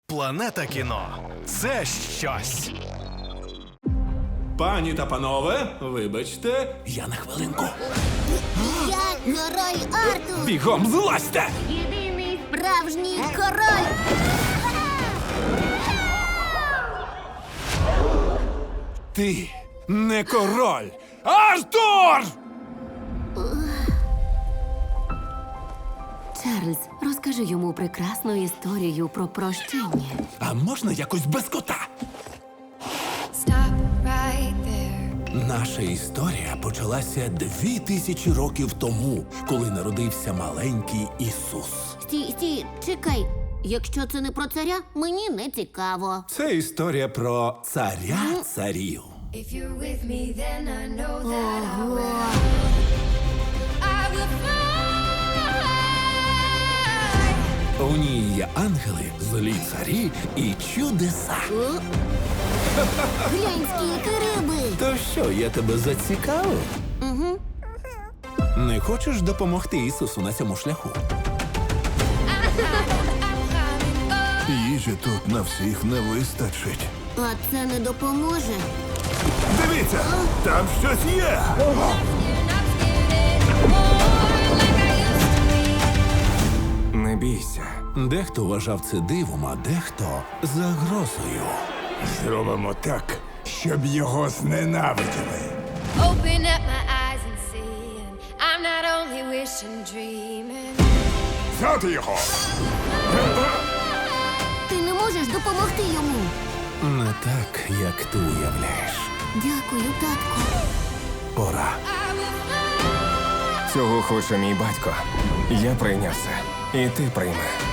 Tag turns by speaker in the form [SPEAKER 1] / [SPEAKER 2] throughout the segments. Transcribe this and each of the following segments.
[SPEAKER 1] Планета кіно – це щось.
[SPEAKER 2] Пані та панове, вибачте, я на хвилинку.
[SPEAKER 3] Я король Артур!
[SPEAKER 2] Бігом злазьте!
[SPEAKER 3] Єдиний справжній король!
[SPEAKER 2] Ти не король! Артур!
[SPEAKER 4] Чарльз, розкажи йому прекрасну історію про прощення.
[SPEAKER 2] А можна якось без кота?
[SPEAKER 5] Stop right there.
[SPEAKER 2] Наша історія почалася 2000 років тому, коли народився маленький Ісус.
[SPEAKER 3] Стій, чекай. Якщо це не про царя, мені не цікаво.
[SPEAKER 2] Це історія про царя царів.
[SPEAKER 5] If you're with me, then I know that I
[SPEAKER 3] Ого!
[SPEAKER 5] will fly.
[SPEAKER 2] У ній є ангели, злі царі і чудеса.
[SPEAKER 3] О? Глянь, скільки риби!
[SPEAKER 2] То що, я тебе зацікавив?
[SPEAKER 3] Угу.
[SPEAKER 2] Не хочеш допомогти Ісусу на цьому шляху?
[SPEAKER 6] Їжі тут на всіх не вистачить.
[SPEAKER 3] А це не допоможе.
[SPEAKER 6] Дивіться, там щось є.
[SPEAKER 7] Не бійся.
[SPEAKER 2] Дехто вважав це дивом, а дехто загрозою.
[SPEAKER 6] Зробимо так, щоб його зненавиділи.
[SPEAKER 5] Open up my eyes and see. And I'm not only wishing, dreaming.
[SPEAKER 6] Взяти його!
[SPEAKER 3] Ти не можеш допомогти йому.
[SPEAKER 2] Не так, як ти уявляєш.
[SPEAKER 3] Дякую, татку.
[SPEAKER 2] Пора.
[SPEAKER 7] Цього хоче мій батько. Я прийняв це. І ти прийми.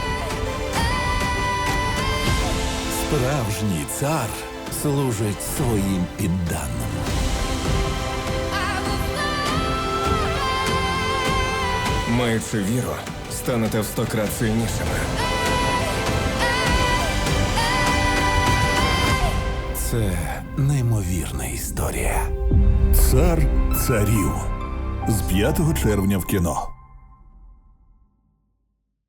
[SPEAKER 2] Справжній цар служить своїм підданим.
[SPEAKER 7] Маючи віру, станете в 100 крат сильнішими.
[SPEAKER 2] Це неймовірна історія.
[SPEAKER 6] Цар царів. З 5 червня в кіно.